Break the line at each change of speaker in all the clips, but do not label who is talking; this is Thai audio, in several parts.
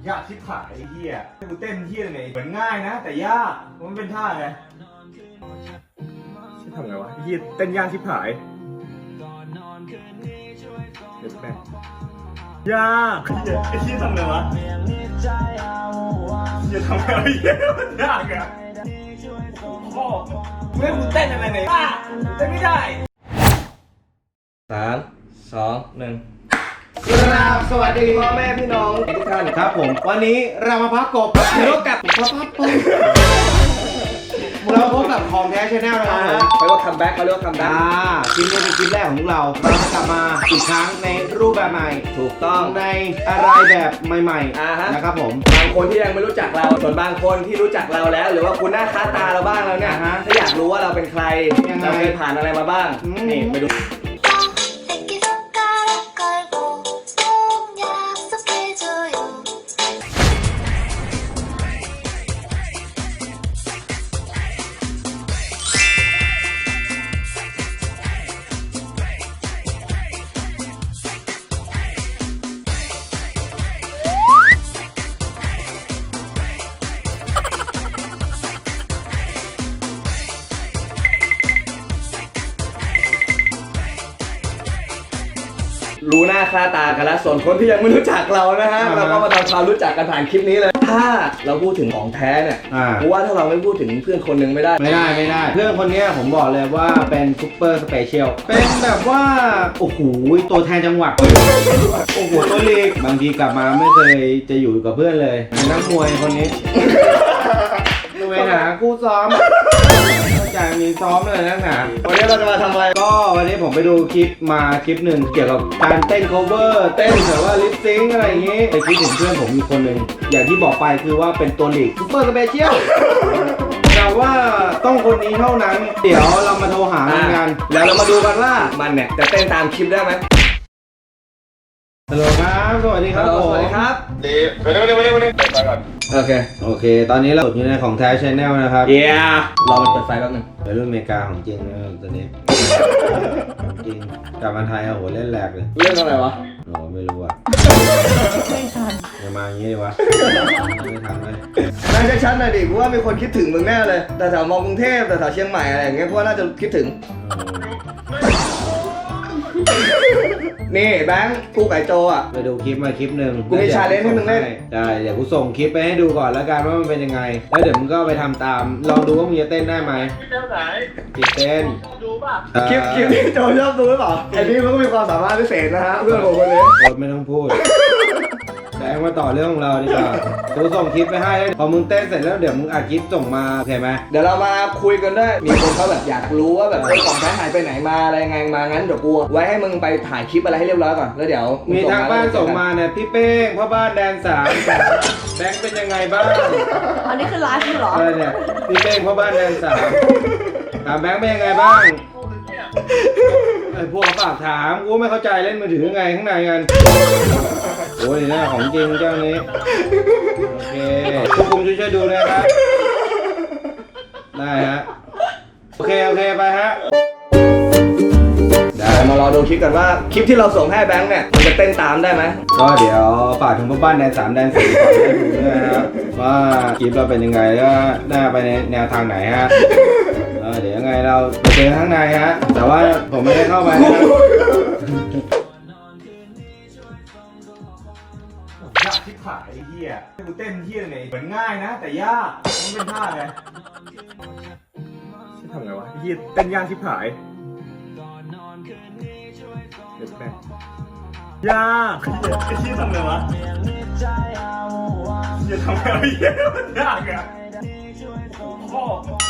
ยากชิบหายไอ้เหี้ยกูเต้นเหี้ยไหนเหมือนง่ายนะแต่ยากมันเป็นท่าไงชิบทำไงวะเหี้ยเต้นยากชิบหายเดี๋ยวแป๊บยากไอ้เหี้ยทำไงวะเหี้ยทำไงวะเหี้ยมันยากอะพ่อเมื่อกูเต้นอะไรไหนเต้นไม่ได้
3 2 1สวัสดีพ่อแม่พี่น้องทุกท่านครับผมวันนี้เรามาพักกบรถกับเราพบกับของแท้ชาแนลนะครับผมไปว่าคัมแบ็กเขาเรียกว่าคัมแบ็กคลิปนี้เป็นคลิปแรกของพวกเราจะกลับมาอีกครั้งในรูปแบบใหม่ถูกต้องในอะไรแบบใหม่ๆนะครับผมบางคนที่ยังไม่รู้จักเราส่วนบางคนที่รู้จักเราแล้วหรือว่าคุณหน้าค่าตาเราบ้างแล้วเนี่ยถ้าอยากรู้ว่าเราเป็นใครเราเคยผ่านอะไรมาบ้างนี่ไปดูรู้หน้าค่าตากันแล้วส่วนคนที่ยังไม่รู้จักเรานะฮะเราก็มาทำความรู้จักกันผ่านคลิปนี้เลยถ้าเราพูดถึงของแท้เนี่ยเพราะว่าถ้าเราไม่พูดถึงเพื่อนคนหนึ่งไม่ได้เพื่อนคนนี้ผมบอกเลยว่าเป็นซุปเปอร์สเปเชียลเป็นแบบว่าโอ้โหตัวแทนจังหวัดโอ้โหตัวเล็กบางทีกลับมาไม่เคยจะอยู่กับเพื่อนเลยนักมวยคนนี้ดูไปหาคู่ซ้อมจากมีซ้อมเลยนะวันนี้เราจะมาทำอะไรก็วันนี้ผมไปดูคลิปมาคลิปหนึ่งเกี่ยวกับการเต้น cover เต้นแบบว่าลิปซิงค์อะไรอย่างงี้ไปคิดถึงเพื่อนผมมีคนหนึ่งอย่างที่บอกไปคือว่าเป็นตัวหลีกซุปเปอร์สเปเชียลแต่ว่าต้องคนนี้เท่านั้นเดี๋ยวเรามาโทรหามันกันแล้วเรามาดูกันว่ามันเนี่ยจะเต้นตามคลิปได้ไหมฮัลโหลครับสวัสดีครับสวัสดีครับดีไปก่อนโอเคตอนนี้เราอยู่ในของแท้ชาแนลนะครับรอมันเปิดไฟแป๊บนึงไปรุ่นอเมริกาของจริงนะตอนนี้จริงกลับมาไทยโอ้โหเล่นแหลกเลยเรื่องอะไรวะโอ้ไม่รู้อ่ะไม่ทันอย่ามาอย่างนี้ดิวะไม่ทันเลยน่าจะชัดหน่อยดิเพราะว่ามีคนคิดถึงมึงแน่เลยแต่แถวมอกรุงเทพแต่แถวเชียงใหม่อะไรอย่างเงี้ยเพราะว่าน่าจะคิดถึงนี่แบงค์กูไก่โจอ่ะไปดูคลิปมาคลิปหนึ่งกูมีชาเลนจ์ให้มึงเล่นได้เดี๋ยวกูส่งคลิปไปให้ดูก่อนแล้วกันว่ามันเป็นยังไงแล้วเดี๋ยวมึงก็ไปทำตามลองดูว่ามึงจะเต้นได้ไหมเต้นไหนเต้นดูป่ะคลิปที่โจชอบดูหรือเปล่าไอ้นี่มันก็มีความสามารถพิเศษนะฮะเพื่อนผมคนนี้ไม่ต้องพูดแบงค์มาต่อเรื่องของเราดีกว่ากูส่งคลิปไปให้พอมึงเต้นเสร็จแล้วเดี๋ยวมึงอัดคลิปส่งมาโอเคไหมเดี๋ยวเรามาคุยกันด้วยมีคนเขาแบบอยากรู้ว่าแบบของแท้หายไปไหนมาอะไรยังไงมางั้นเดี๋ยวกูไว้ให้มึงไปถ่ายคลิปอะไรให้เรียบร้อยก่อนแล้วเดี๋ยวมีทางบ้านส่งมาเนี่ยพี่เป้งพ่อบ้านแดน3แบงค์เป็นยังไงบ้าง
อันนี้คือไลฟ์เหรอ
เนี่ยพี่เป้งพ่อบ้านแดน3ถามแบงค์เป็นยังไงบ้างไอ้พวกฝากถามกูไม่เข้าใจเล่นมือถือไงข้างในกันโอ้ยนี่ของจริงเจ้านี้โอเคควบคุมช่วยดูนะครับได้ฮะโอเคไปฮะได้มารอดูคลิปกันว่าคลิปที่เราส่งให้แบงค์เนี่ยมันจะเต้นตามได้ไหมก็เดี๋ยวฝากถึงพ่อบ้านแดน3แดน4ขอให้ดูด้วยนะครับว่าคลิปเราเป็นยังไงแล้วน่าไปในแนวทางไหนฮะเดี๋ยวยังไงเราไปเจอข้างในฮะแต่ว่าผมไม่ได้เข้าไปนะ
ยากชิบหายไอ้เหี้ยกูเต้นเหี้ยไหนเหมือนง่ายนะแต่ยากมันเป็นท่าไงชิบทำไงวะไอ้เหี้ยเต้นยากชิบหายเดี๋ยวแป๊บยากไอ้เหี้ยทำไงวะเหี้ยทำไงวะเหี้ยมันยากอะพ่อ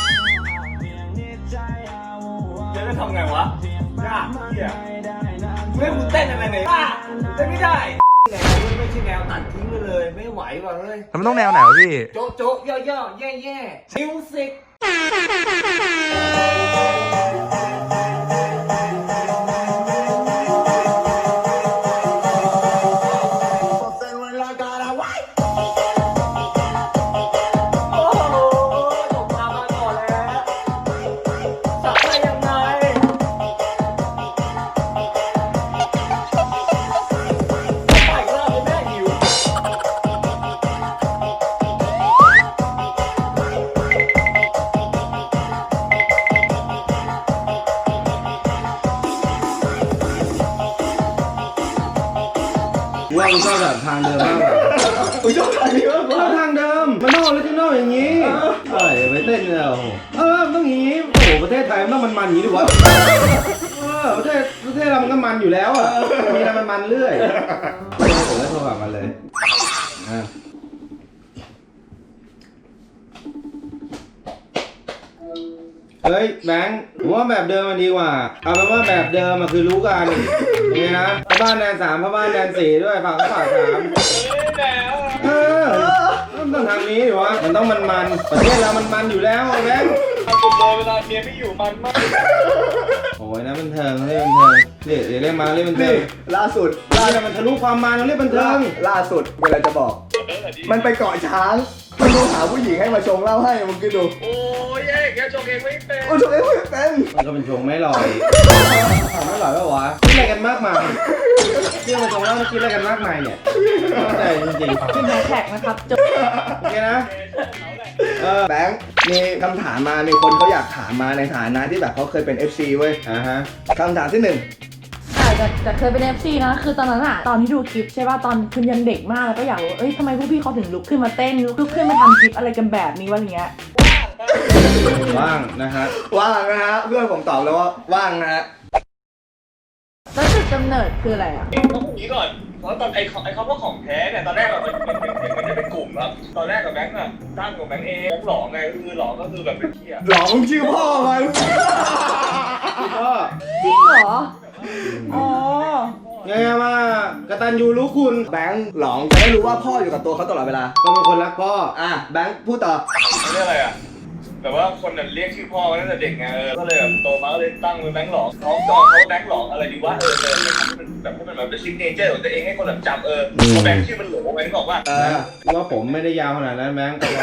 จะทำไงวะยากเหี้ยเมื่อกูเต้นอะไรไหนเต้นไม่ได้แนวไม่ใช่แนวตัดทิ้งไปเลยไม่ไหวว่ะเฮ้ย
มันต้องแนวไหนวะพี่
โจ๊ะโจ๊ะย่อย่อแย่แย่มิวสิก
ว่ากูชอบแบบทางเดิมมากกว่า
กูชอบทางนี้มากกว่า
ทางเดิมมันต้องออริจินอลอย่างนี้ไปเต้นเนี่ยโอ้โหมันต้องอย่างนี้โอ้โหประเทศไทยมันต้องมันๆอย่างนี้ดิวะประเทศเรามันก็มันอยู่แล้วอ่ะมีอะไรมันเรื่อยผมก็โทรหามันเลยเฮ้ยแบงค์ผมว่าแบบเดิมมันดีกว่าเอาเป็นว่าแบบเดิมมันคือรู้กันยังไงนะพ่อบ้านแดน3พ่อบ้านแดน4ด้วยฝาก3ต้องทางนี้ดิวะมันต้องมันประเทศเรามันอยู่แล้วแบงค์
ผมเลยเวลาเมียไม่อยู่มันมาก
โอ้ยนะบันเทิงเรียกบันเทิงเรียกมาเรียกบันเทิ
นี่
ง
ล่าสุด
มันทะลุความมันเรียกบันเทิง
ล่าสุดเวลาจะบอก มันไปเกาะช้างมันโทรหาผู้หญิงให้มาชงเหล้าให้มึงคิดดู
โอ้ยเองแกชงเองไม่เป็น
โอ้ชงเองไม่เป็น
มันก็เป็นชงไม่ลอยไม่ลอยก็วะคิดอะไรกันมากมายที่เราชงแล้วมันคิดอะไรกันมากมายเนี่ยใช่จริง
ขึ้นแฮชแท็กนะครับจบ
ๆโอเคนะ
แบงค์มีคำถามมามีคนเขาอยากถามมาในฐานะที่แบบเขาเคยเป็น FC เว้ย
ฮะ
คำถามที่หนึ่ง
แต่เคยเป็น FC นะ คือตอนนั้นอะตอนที่ดูคลิปใช่ป่ะ ตอนคุณยังเด็กมากแล้วก็อยากรู้เอ้ยทำไมพวกพี่เขาถึงลุกขึ้นมาเต้นลุกขึ้นมาทำคลิปอะไรกันแบบนี้วะอย่างเงี้ย
ว่างนะฮะ
ว่างนะฮะเพื่อนผมตอบแล้วว่าว่างนะฮะ
แล้วจุดกำเนิดคืออะไรอะ
ต้องพูดอย่างนี้ก่อนเพราะตอนไอ้คำว่าของแท้เนี่ยตอนแรกมันจะเป็นกลุ่มครับตอนแรกกับแบงค์อะตั้งกับแบงค์เองแบงค์หลอกไงคือหลอกก็คือแบบเป็นเที่ย
หลองชื่อพ่อมัน
ก็
จริงเหรอ อ๋อ
ไงว่ากตัญญูรู้คุณ
แบงค์หลองจะได้รู้ว่าพ่ออยู่กับตัวเขาตลอดเวลา
ก็เป็นคนรักพ่อ
แบงค์พูดต่อ
เรียกอะไรอะแบบว่าคนน่ะเรียกชื่อพ่อมาตั้งแต่เด็กไงก็เลยแบบโตมาก็เลยตั้งเป็นแบงค์หลอกน้องจองเขาแบงค์หลอกอะไรดีวะแบบให้มันแบบเป็นซิกเนเจอร์ของตัวเองให้คนแบบจำพอแบงค์ชื่อมันหลงแบงค์บอกว่า
ว่าผมไม่ได้ยาวขนาดนั้นแบงค์ก็ว่า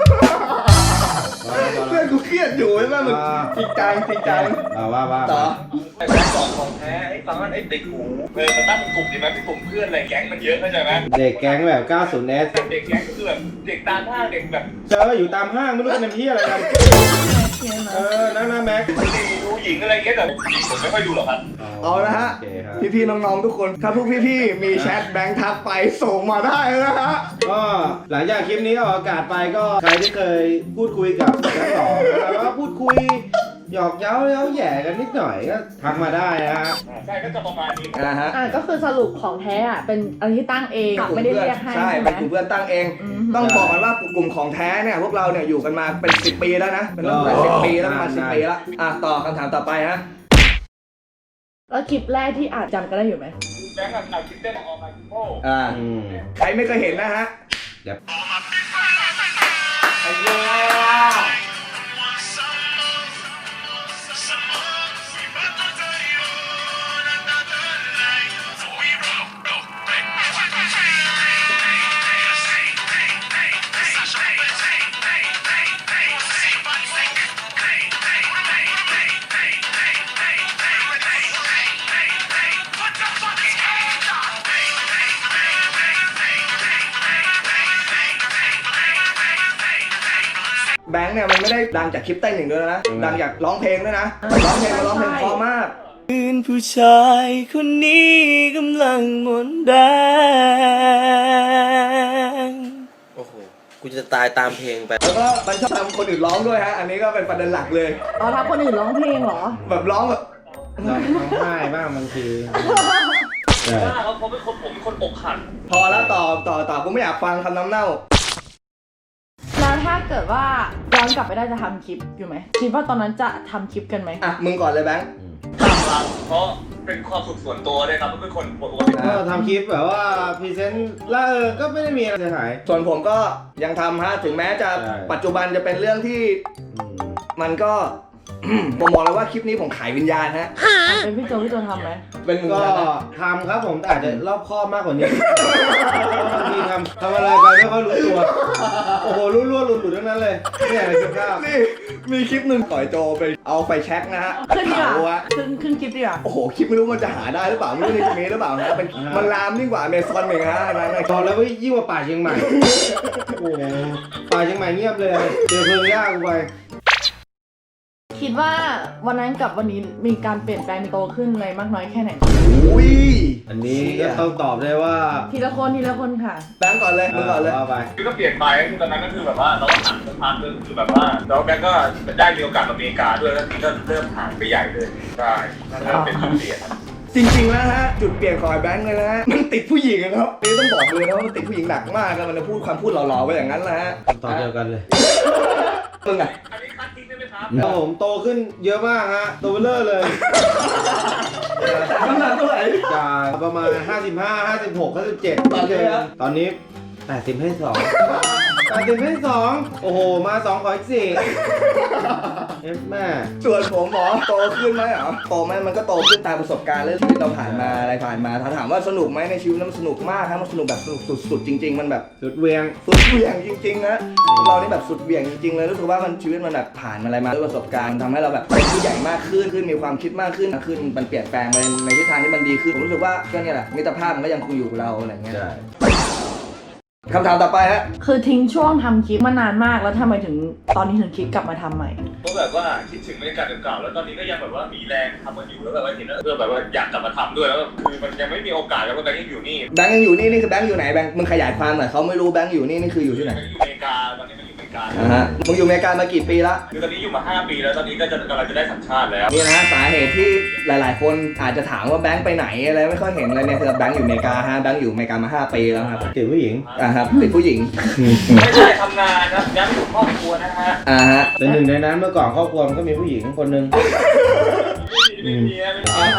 เพื่อนกูเครียดอยู่ใช่ไหมมึงจริงจัง
ว่า
ต่อ
ไอ้แบงค์หลอกของแท้ไอ้ฟังว่าไอ้ติดหูมาตั้งเป็นกลุ่มดีไหมเป็นกลุ่มเพื่อนอะไรแก๊งมันเยอะเข้าใจไหม
เด็กแก๊งแบบ 90S
เด็กแก๊งก็คือแบบเด็กตามห้างเด็กแบบ
เจออยู่ตามห้างไม่รู้จะเป็นที่อะไรกันนะแม็ก
ดูหญิงอะไรเงี้ยแต่ผมไม่ค่อยดูหรอกครับ
เอาละฮะพี่ๆน้องๆทุกคนถ้าพวกพี่ๆมีแชทแบงค์ทักไปส่งมาได้นะฮะ
ก็หลังจากคลิปนี้ออกอากาศไปก็ใครที่เคยพูดคุยกับแจ็คหลอกแล้วก็พูดคุยหยอกเย้าแย่กันนิดหน่อยก็ทักมาได้นะฮะ
ใช่ก็จะประมาณนี้
ก็คือสรุปของแท้อะเป็นอะไรที่ตั้งเองไม่ได้เรียกให้
ใช่
ใช่ไหม
เป็นกลุ่มเพื่อนตั้งเอง ต้องบอกกันว่ากลุ่มของแท้เนี่ยพวกเราเนี่ยอยู่กันมาเป็น10 ปีแล้วนะเป็นเรื่องหลาย10 ปีแล้วประมาณ10 ปีแล้วต่อคำถามต่อไปฮะ
แล้วคลิปแรกที่อาจจำกันได้อยู่ไหม
แบงค์กับคิดเต้นออกมาคิโป้
ใครไม่เคยเห็นนะฮะ
ไอ้เหี้ย
แบงค์เนี่ยมันไม่ได้ดังจากคลิปเต้นอย่างเดียวนะดังจากร้องเพลงด้วยนะร้องเพลงเพราะมาก
ผู้ชายคนนี้กำลังหมดแรง โอ้โห กูจะตายตามเพลงไป
แล้วก็มันชอบทำคนอื่นร้องด้วยฮะ อันนี้ก็เป็นประเด็นหลักเลย
อ๋อทำคนอื่นร้องเพลงเหรอ
แบบร้องแบบ
ร้องไห้บ้างบางที
เขาเป็นคนผมเป็นคนอกหัก
พอแล้วต่อกูไม่อยากฟังคำน้ำเน่า
แล้วถ้าเกิดว่าย้อนกลับไปได้จะทำคลิปอยู่ไหมคิดว่าตอนนั้นจะทำคลิปกันไหม
มึงก่อนเลยแบงค์
ตามรังเพราะเป็นความสุขส่วนตัวเลยครับเป็นคนปกติ
ก็ทำคลิปแบบว่าพรีเซนต์แล้วก็ไม่ได้มีอะไรเสียหาย
ส่วนผมก็ยังทำฮะถึงแม้จะ
ใช่
ปัจจุบันจะเป็นเรื่องที่มันก็ ผมบอกเลยว่าคลิปนี้ผมขายวิญญาณฮะ
เป็นพี่โจทำไหม
เป็นมึง
ก็
นะ
ทำครับผมแต่อาจจะรอบคอบมากกว่านี้บางทีทำอะไรไปไม่ค่อยรู้ตัว โอ้โหรั่วๆหลุดๆทั้งนั้นเลยเนี่ยในคลิปภาพ
นี่มีคลิปหนึ่งต่อยโจไปเอาไฟแช็กนะฮะ
ขึ้นดีก
เผา
ว่า
ฮะ
ขึ้นคลิปดีกว่า
โอ้โหคลิปไม่รู้มันจะหาได้หรือเปล่าไม่รู้ในมีหรือเปล่านะเป็นมันลามยิ่งกว่าอเมซอนอีกฮะนั่นนะ
ตอนแล้วยิ่งกว่าป่าเชียงใหม่ โอ้โหป่าเชียงใหม่เงียบเลย เจอเพลิงยากกูไป
คิดว่าวันนั้นกับวันนี้มีการเปลี่ยนแปลงโตขึ้นอะไรมากน้อยแค่ไหน
อุ้ย
อันนี้ก็ต้องตอบได้ว่า
ทีละคนค่ะ
แบงก์ก่อนเลยมึงก่อนเลย
ว่าไป
คือก็เปลี่ยนไปคือตอนนั้นก็คือแบบว่าเราก็ห่างสักพักนึงคือแบบว่าแล้วแบงก์ก็ได้มีโอกาสมาอเมริกาด้วยแล้วทีก็เริ่มห่างไปใหญ่เลยใช่เริ่มเป็นจุดเปลี่ยน
จริงๆแล้วฮะจุดเปลี่ยนของไอ้แบงค์เลยนะฮะมันติดผู้หญิงนะครับนี่ต้องบอกเลยนะว่ามันติดผู้หญิงหนักมากนะมันจะพูดความพูดหล่อๆไปอย่างนั้นแหละฮะ
ตอบเดียวกันเลย
มึงอะ
อันนี้คัดทิ้งได้ไหมครับ
ครับผมโตขึ้นเยอะมากฮะโตเบลอเลย
น้ำหนักเท่าไหร่
จากประมาณ 55 56 57
ตอนนี้ครับ
ตอนนี้ 80ให้2 80ให้2โอ้โห มา2ขออีก4เอฟแม่
ส่วนผมหมอโตขึ้นไหมเหรอโตไหมมันก็โตขึ้นตามประสบการณ์เรื่องชีวิตเราผ่านมาอะไรผ่านมาถ้าถามว่าสนุกไหมในชีวิตนั้นมันสนุกมากครับมันสนุกแบบสนุกสุดๆจริง ๆ มันแบบ
สุดเวียง
สุดเหวี่ยงจริงๆนะเรานี่แบบสุดเหวี่ยงจริงๆเลยรู้สึกว่ามันชีวิตมันแบบผ่านอะไรมาด้วยประสบการณ์ทำให้เราแบบเป็นผู้ใหญ่มากขึ้นมีความคิดมากขึ้นมันเปลี่ยนแปลงไปในทิศทางที่มันดีขึ้นผมรู้สึกว่าก็เนี่ยแหละมิตรภาพมันก็ยังคงอยู่กับเราอะไรเงี้ย
ใช่
คำถามต่อไปฮะ
คือทิ้งช่วงทำคลิปมานานมากแล้วทำไมถึงตอนนี้ถึงคิดกลับมาทำใหม่
ก็แบบว่าคิดถึงบรรยากาศเก่าๆแล้วตอนนี้ก็ยังแบบว่ามีแรงทำมันอยู่แล้วแบบว่าเห็นแล้วเพื่อแบบว่าอยากกลับมาทำด้วยแล้วคือมันยังไม่มีโอกาสแล้วว่าแบงค์ยังอยู่นี่
แบงค์ยังอยู่นี่คือแบงค์อยู่ไหนแบงค์มึงขยายความหน่อยเขาไม่รู้แบงค์อยู่นี่คืออยู่ที่ไหน
อยู่อเมริกาตอนนี้มันอยู่อเมริกา
ฮะมึงอยู่อเมริกามากี่ปีละ
คือตอนนี้อยู่มา5 ปีแล้วตอนนี้ก็จะกำลังจะได้สัญชาติแล้ว
นี่นะสาเหตุที่หลายๆ คนอาจจะถามว่าแบงค์ไปไหนอะไรไม่ค่อยเห็นอะไรเนี่ยคือแบงค์อยู่อเมริกาฮะแบงค์อยู่อเมริกามา5 ปีแล้วครับ
ติดผู้หญิง
ครับติดผู้หญิง
ไม่ใช่ทำงานครับย้ำถึงครอบครัวนะฮะ
ฮะ
เป็นหนึ่งในนั้นเมื่อก่อนครอบครัวมันก็มีผู้หญิงคนหนึ่ง
ไม่มีไม่มี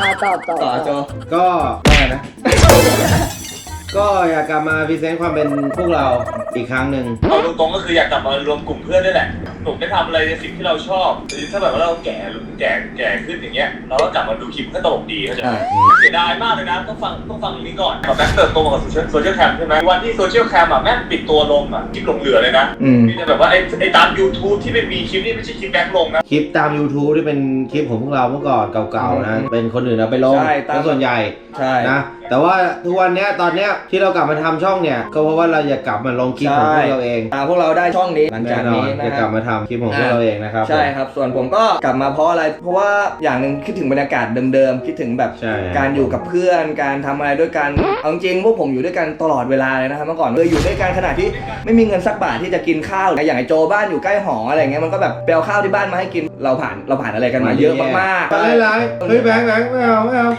ตอบ
ต่อโจ
ก็ว่าไงนะ ก็อยากกลับมาพรีเซนต์ความเป็นพวกเราอีกครั้งหนึ่ง
เอาตรงๆก็คืออยากกลับมารวมกลุ่มเพื่อนด้วยแหละหนุ่มได้ทำอะไรในสิ่งที่เราชอบหรือถ้าแบบว่าเราแก่ขึ้นอย่างเงี้ยเราก็กลับมาดูคลิปก็ตลกดีเข้าใจไหมเสียดายมากเลยนะต้องฟังอย่างนี้ก่อนแบงค์เติบโตมากับโซเชียลแคมใช่ไหมวันที่โซเชียลแคมแม่งปิดตัวลงคลิปหลงเหลือเลยนะมีแต่แบบว่าไอ้ตาม YouTube ที่ไม่มีคลิปนี่ไม่ใช่คลิปแบงค์ลงนะ
คลิปตาม YouTube ที่เป็นคลิปของพวกเราเมื่อก่อนเก่าๆนะ เป็นคนอื่นเอาไปลงเป็นส่วนใหญ่
ใช่
นะ แต่ว่าทุกวันเนี้ยตอนเนี้ยที่เรากลับมาทำช่องเนี่ยก็เพราะว่าเราอยากกลับมาลงคลิปของพวกเราเอง
พวกเราได้ช่องนี้หลัง
แน่
จาก
นอ
นี้
น
นะ
จะ
ค
ก
รั
ลั
บบ
มาทำคลิปของพวกเราเองนะครับ
ใช่ครับส่วนผมก็กลับมาเพราะอะไรเพราะว่าอย่างหนึ่งคิดถึงบรรยากาศเดิมๆคิดถึงแบบ
ใช่
การอยู่กับเพื่อนการทำอะไรด้วยกันเอาจริงพวกผมอยู่ด้วยกันตลอดเวลาเลยนะครับเมื่อก่อนอยู่ด้วยกันขนาดที่ไม่มีเงินสักบาทที่จะกินข้าวอย่างไอ้โจบ้านอยู่ใกล้หออะไรเงี้ยมันก็แบบไปเอาข้าวที่บ้านมาให้กินเราผ่านอะไรกันมาเยอะมากๆ
ไปไลฟ์เฮ้ยแบงค์ไม่เอาแบงค์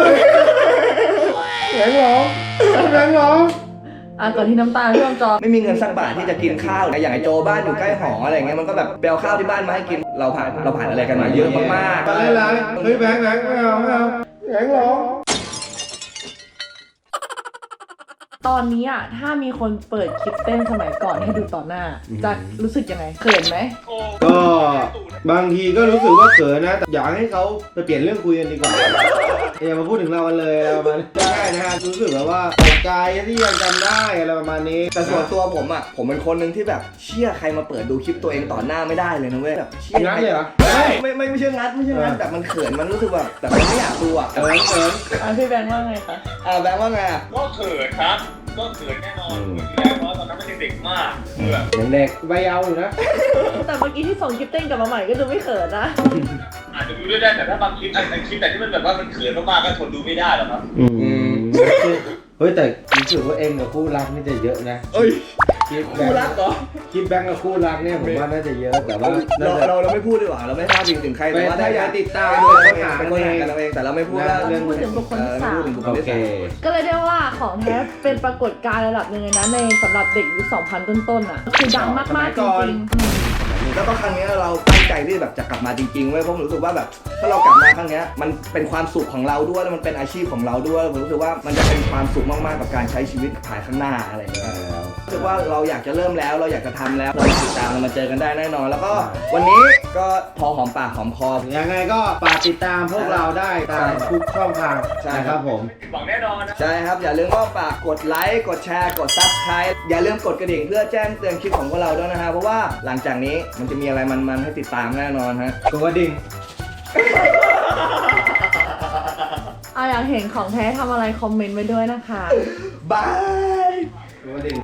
ร้องแบงค์ร้อง
ก่อนที่น้ำตาท่วมจอ
ไม่มีเงินสักบาทที่จะกินข้าวอย่างไอ้โจบ้านอยู่ใกล้หออะไรเงี้ยมันก็แบบไปเอาข้าวที่บ้านมาให้กินเราผ่านอะไรกันมาเยอะมาก
ไปไลฟ์เฮ้ยแบงค์ไม่เอาแบงค์ร้อง
ตอนนี้ถ้ามีคนเปิดคลิปเต้นสมัยก่อนให้ดูต่อหน้า จะรู้สึกยังไงเขินไหม
ก็บางทีก็รู้สึกว่าเขินนะแต่อยากให้เขาไปเปลี่ยนเรื่องคุยกันดีกว่าอย่ามาพูดถึงเรากันเลยอะไรประมาณนี้ใช่นะฮะรู้สึกแบบว่าตกใจที่ยังจำได้อะไรประมาณนี้
แต่ส่วนตัวผมเป็นคนหนึ่งที่แบบเชื่อใครมาเปิดดูคลิปตัวเองต่อหน้าไม่ได้เลยนะเว้ยแบบเชื่อ
งัดเลยเหรอ
ไม่ใช่งัดแบบมันเขินมันรู้สึกแบบมันไม่อยากดู
เขิน
พี่แบงค์ว่าไงคะ
แบงค์ว่าไง
ก็เขินครับก็เขินแน่นอนเพราะตอนนั้นมันเด็กมากแบบ
ยังเด็กใบเยาว์อยู่นะ
แต่เมื่อกี้ที่ส่งคลิปเต้นกลับมาใหม่ก็ดูไม่เขินนะ
อาจจะดูด้วยได้แต่ถ้าบางคลิปไอ้คลิปไหนที่มันแบบว่ามันเขินมากๆก็ทนดูไม่ได้หรอกครับ
เฮ้ยแต่รู้สึกว่าเองกับคู่รักนี่จะเยอะนะ
เอ้ย
คลิป
คู่รักเหรอ
คลิปแบงค์กับคู่รักเนี่ยผมว่าน่าจะเยอะแต่ว่า
เราไม่พูดดีกว่าเราไม่พาดพิงถึงใครแต่ว่าถ้าอยาก
ติดตาม
เป็นคนหากันเราเองแต่เราไม่พูดว่า
เราพูดถึงบุคคลที่สาม
โอเค
ก็เลยได้ว่าของแท้เป็นปรากฏการณ์ระดับหนึ่งเลยนะในสำหรับเด็กยุค 2000 ต้นๆคือดังมากๆจริงๆ
แล้วก็ครั้งนี้เราตั้งใจที่แบบจะกลับมาจริงๆเว้ยเพราะผมรู้สึกว่าแบบถ้าเรากลับมาครั้งนี้มันเป็นความสุขของเราด้วยแล้วมันเป็นอาชีพของเราด้วยผมรู้สึกว่ามันจะเป็นความสุขมากๆกับการใช้ชีวิตภายข้างหน้าอะไรอย่างเงี้ยรู้สึกว่าเราอยากจะเริ่มแล้วเราอยากจะทำแล้วเราติดตามเรามาเจอกันได้แน่นอน แล้วก็วันนี้ก็พอหอมปากหอมคอ
ยังไงก็ฝากติดตามพวกเราได้ตามทุกช่องทางนะครับผม
หวังแน่นอนนะ
ใช่ครับอย่าลืมก็ฝากกดไลค์กดแชร์กด Subscribe อย่าลืมกดกระดิ่งเพื่อแจ้งเตือนคลิปของพวกเราด้วยนะฮะเพราะว่าหลังจากนี้มันจะมีอะไรมันๆให้ติดตามแน่นอนฮะ
กดกระดิ่ง
อยากเห็นของแท้ทำอะไรคอมเมนต์ไว้ด้วยนะคะ
บาย
กดกระดิ่ง